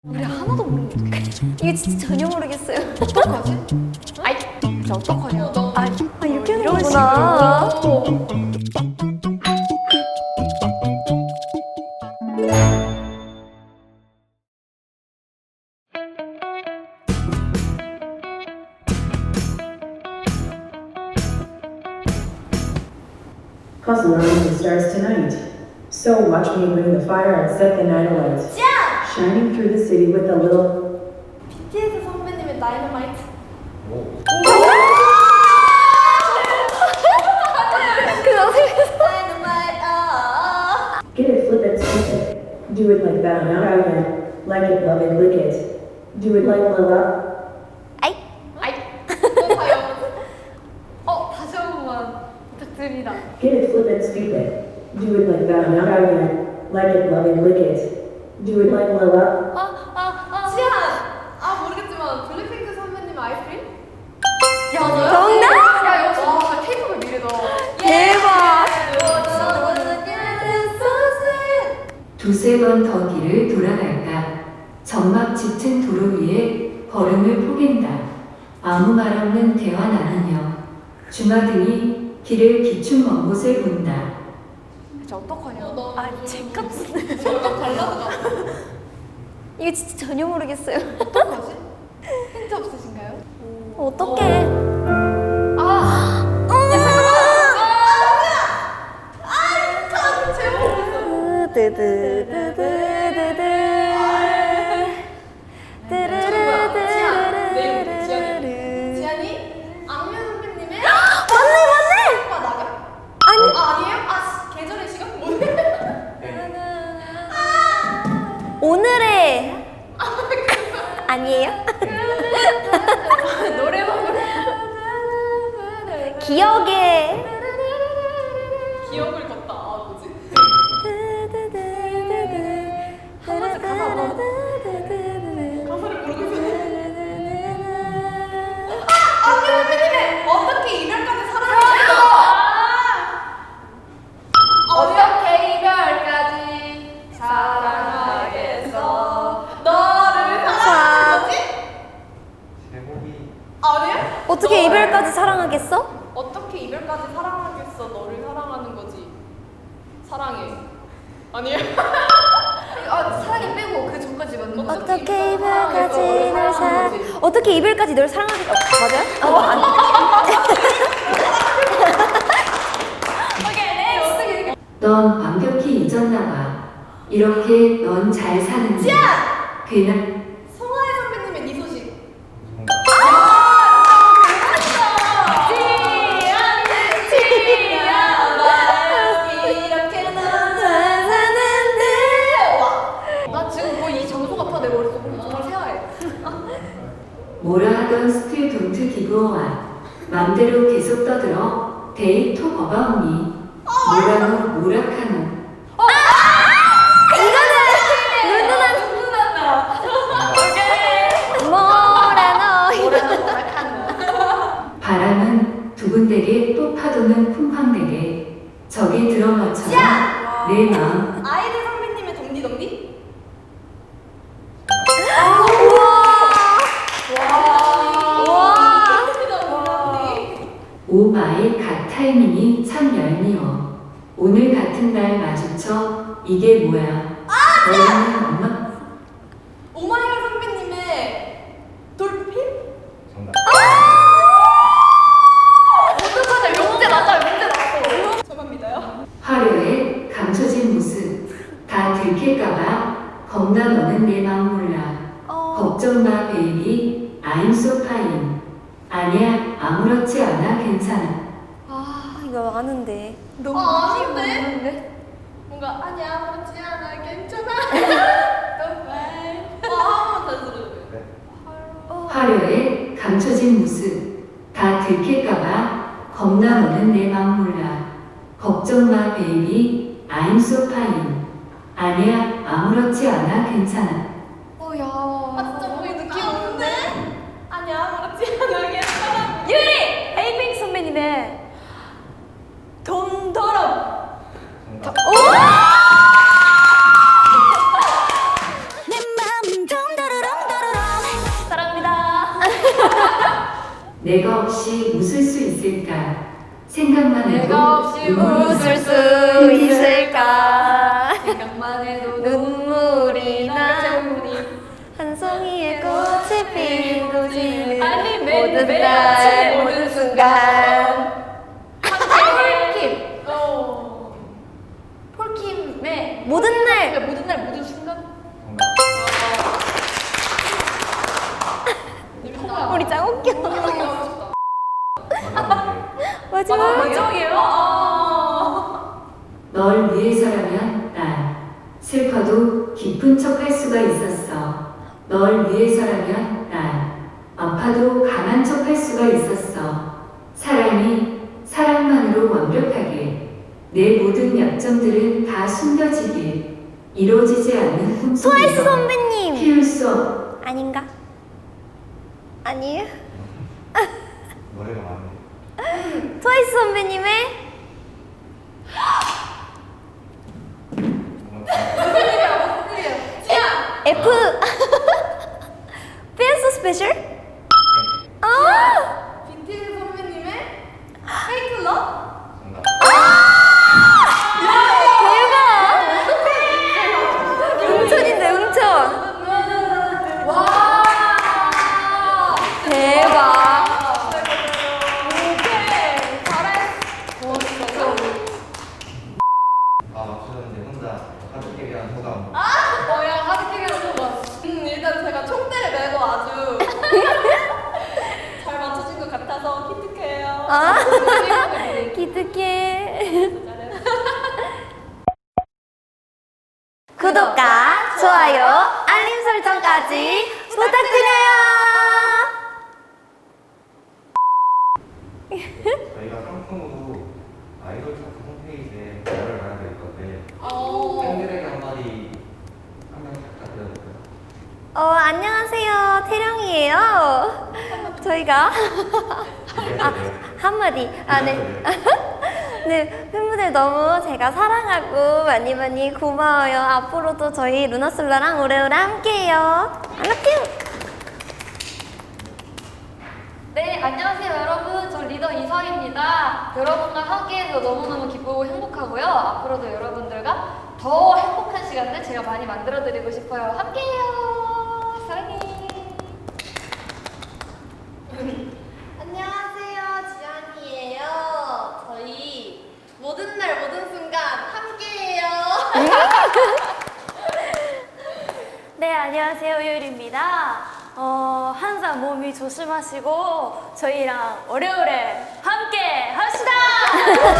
우리 하나도 모르는데 이게 진짜 전혀 모르겠어요. 어떡하지? 아이 진짜 어떡하냐. 이렇게 하는 거구나. Puzzle round starts tonight. So watch me bring the fire and set the night alight. Shining through the city with a little. BTS 선배님의 다이너마이트. Get it, flip it, spin it. Do it like that, now again. Like it, love it, lick it. Do it like Lila. 또 봐요. 다시 한 번만 부탁드립니다. Get it, flip it, spin it. Do it like that, now again. Like it, love it, lick it. Do it like Lila. 지안! 모르겠지만 블랙핑크 선배님 아이스크림? 정답! 야 역시 와 K-팝의 미래다. 대박! 두세 번 더 길을 돌아갈까. 점막 짙은 도로 위에 걸음을 포갠다. 아무 말 없는 대화 나누며 주마등이 길을 비춘 먼 곳을 본다. 진짜 어떡하냐. 제값은 저랑 발라드가 이게 진짜 전혀 모르겠어요. 어떡하지? 힌트 없으신가요? 어떡해? 지안이? 악뮤 선배님의 맞네! 오빠 나가? 아니. 아니에요? 계절의 시간? 뭐예요? 오늘의 아니에요? 노래방 기억의 기억을 걷다. 뭐지? 한 번씩 가사 한번 가사를 모르고 있었는데 악뮤 선배님의 어떻게 이별까지 사랑하겠어? 어떻게 이별까지 사랑하겠어 너를 사랑하는 거지? 아니야? 어떻게 이별까지 사랑하겠어? 어떻게 이별까지 사랑하겠어 너를 사랑하는 거지 사랑해 아니에요? 사랑해 빼고 그 전까지 맞는 거 어떻게 이별까지 널 어떻게 이별까지 널 사랑하겠어? 맞아요? 아니. 오케이 네 어떻게 넌 완벽히 잊었나 봐. 이렇게 넌 잘 사는지. 그냥 송하혜 선배님의 네 소식 나 지금 거의 이 장소 같아 내 머릿속 정말 새하얘 뭐라 하던 스틸 돈트 기브어와 맘대로 계속 떠들어 데이 톡 어바웃니 뭐라노 뭐라카노 바람은 두근대게 또 파도는 쿵쾅대게 저기 들어가처럼 내 마음 아이들 선배님의 덤디덤디? 오 마이 갓 타이밍이 참 얄미워. 오늘 같은 날 마주쳐 이게 뭐야? 너는 엄마 오마이걸 선배님의 돌핀? 정답. 어떡하냐 명제 맞아요 명제 나왔어 저만 믿어요? 화려해 감춰진 모습 다 들킬까봐 겁나 너는 내 마음 몰라. 걱정 마 베이비 I'm so fine. 아니야 아무렇지 않아 괜찮아. 이거 아는데. 아닌데? 뭔가 아니야 그렇지 않아 괜찮아 정말 한번 다시 들어줘요 화려해 감춰진 모습 다 들킬까봐 겁나 너는 내 마음 몰라. 걱정 마 베이비 I'm so fine. 아니야 아무렇지 않아 괜찮아. 진짜 목이 느낌 오는데? 아니야 그렇지 않아 괜찮아 유리! 에이핑 선배님의 돈더럽 정답. 내 맘 좀 내가 없이 웃을 수 있을까? 생각만 해도 내가 없이 눈물이 웃을 수 있을까? 생각만 해도 눈물이 나. 재훈님. 한 송이의 꽃이 피고 지는 아니, 모든 매일 날 아침 모든 순간. 폴킴. 폴킴의 모든 날. 모든 날 모든 순간. 우리 짱 웃겨. 마지막. 마지막이에요? 널 위해서라면 난 슬퍼도 기쁜 척 할 수가 있었어. 널 위해서라면 난 아파도 강한 척 할 수가 있었어. 사랑이 사랑만으로 완벽하게 내 모든 약점들은 다 숨겨지길 이루어지지 않는 트와이스 꿈속에서 선배님. 피울 수 없. 아닌가? 아니에요? 노래가 많네. 트와이스 선배님의 F 댄스 스페셜? 아! 빈티지 선배님의 페이크 러? 정답. 대박! 응천인데 응천. 와. 대박. 오케이. 잘했어. 진짜. 맞추는데 혼자 하드캐리한 소감. 야, 하드캐리한 소감. 일단 제가 총대를 메고 아주 잘 맞춰준 것 같아서 기특해요. 아. 잘했어. 기특해. 구독과 좋아요, 알림 설정까지 부탁드려요. 저희가 상품으로 아이돌 차트 홈페이지에 글을 달아야 될 건데 어. 팬들에게 한마디 한 명씩 부탁드려볼까요? 안녕하세요. 태령이에요. 저희가 한마디. 네. 네, 팬분들 너무 제가 사랑하고 많이 많이 고마워요. 앞으로도 저희 루나솔라랑 오래오래 함께해요. I love you. 네, 안녕하세요 여러분. 저 리더 이서입니다. 여러분과 함께해서 너무너무 기쁘고 행복하고요. 앞으로도 여러분들과 더 행복한 시간들 제가 많이 만들어드리고 싶어요. 함께해요. 사랑해. 안녕하세요, 지안이에요. 저희 모든 날 모든 순간 함께해요. 네, 안녕하세요. 요율입니다. 항상 몸이 조심하시고 저희랑 오래오래 함께 합시다.